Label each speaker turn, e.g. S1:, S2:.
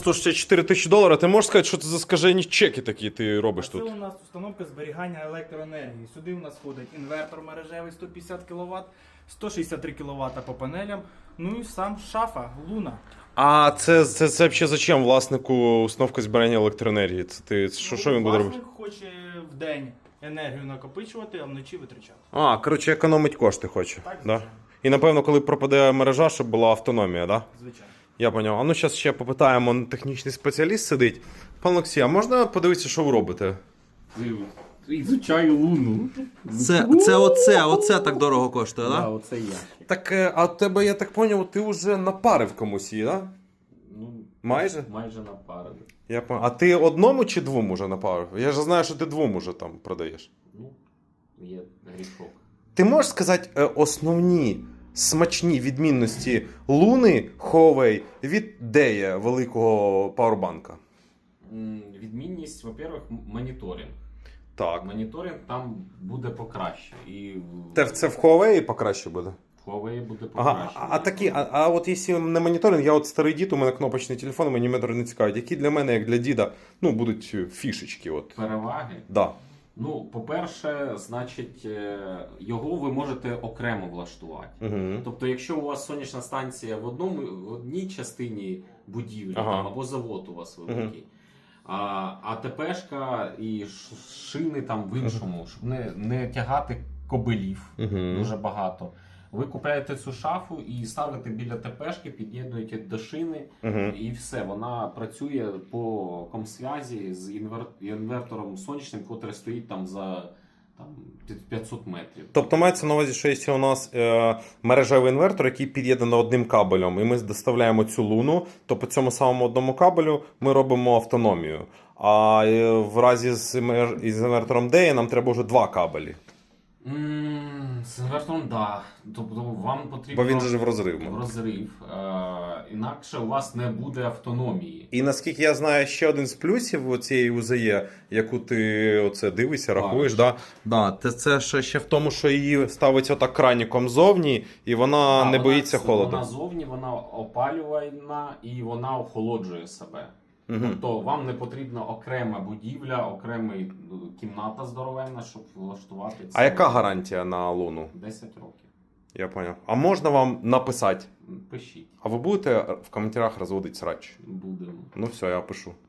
S1: 164 тисячі доларів. Ти можеш сказати, що це за скажені чеки такі ти робиш тут?
S2: Це у нас установка зберігання електроенергії. Сюди у нас входить інвертор мережевий 150 кВт, 163 кВт по панелям, ну і сам шафа, луна.
S1: А це взагалі зачем власнику установка зберігання електроенергії? Що він буде робити?
S2: Власник хоче в день енергію накопичувати, а вночі витрачати.
S1: А, коротше, економить кошти хоче.
S2: Так,
S1: да?
S2: звичайно.
S1: І напевно, коли пропаде мережа, щоб була автономія, так? Да?
S2: Звичайно.
S1: Я поняв. А ну зараз ще попитаємо, технічний спеціаліст сидить. Пан Олексій, а можна подивитися, що ви робите?
S3: Ізучаю луну.
S4: Оце так дорого коштує,
S3: Да,
S4: так?
S3: оце я.
S1: Так, а в тебе, я так поняв, ти вже напарив комусь її, так? Да?
S3: Ну,
S1: Майже?
S3: Майже напарили.
S1: А ти одному чи двом уже напарив? Я ж знаю, що ти двом уже там продаєш.
S3: Ну, є грішок.
S1: Ти можеш сказати основні смачні відмінності Луни Huawei від Дея великого пауербанка?
S3: Відмінність, во-первых, моніторинг.
S1: Так.
S3: Моніторинг там буде покраще. І
S1: Це в Huawei покраще буде?
S3: в Huawei буде
S1: Ага,
S3: покраще.
S1: а от якщо не моніторинг, я от старий дід, у мене кнопочний телефон, мені метр не цікавить. Які для мене, як для діда, ну, будуть фішечки? От.
S3: Переваги.
S1: Да.
S3: Ну, по-перше, значить, його ви можете окремо влаштувати.
S1: Угу.
S3: Тобто, якщо у вас сонячна станція в одній частині будівлі,
S1: Ага.
S3: там, або завод у вас великий, а ТПшка і шини там в іншому, щоб не тягати кобилів дуже багато. Ви купляєте цю шафу і ставите біля ТПшки, під'єднуєте до шини, і все. Вона працює по комсвязі з інвертором сонячним, який стоїть там за 500 метрів.
S1: Тобто мається на увазі, що якщо у нас мережевий інвертор, який під'єднано одним кабелем, і ми доставляємо цю луну, то по цьому самому одному кабелю ми робимо автономію. А в разі з інвертором DEA нам треба вже два кабелі.
S3: З інвертором, так. Да. Тобто вам потрібно...
S1: Бо він же в розрив.
S3: В розрив. Інакше у вас не буде автономії.
S1: І наскільки я знаю, ще один з плюсів цієї УЗЕ, яку ти оце дивишся, рахуєш, це ще в тому, що її ставиться отак краніком ззовні, і вона не боїться холоду.
S3: Вона зовні, вона опалювальна і вона охолоджує себе. Тобто вам не потрібна окрема будівля, окрема кімната здоровенна, щоб влаштувати це.
S1: А яка гарантія на луну?
S3: 10 років.
S1: Я поняв. А можна вам написати?
S3: Пишіть.
S1: А ви будете в коментарях розводити срач?
S3: Будемо.
S1: Ну все, я пишу.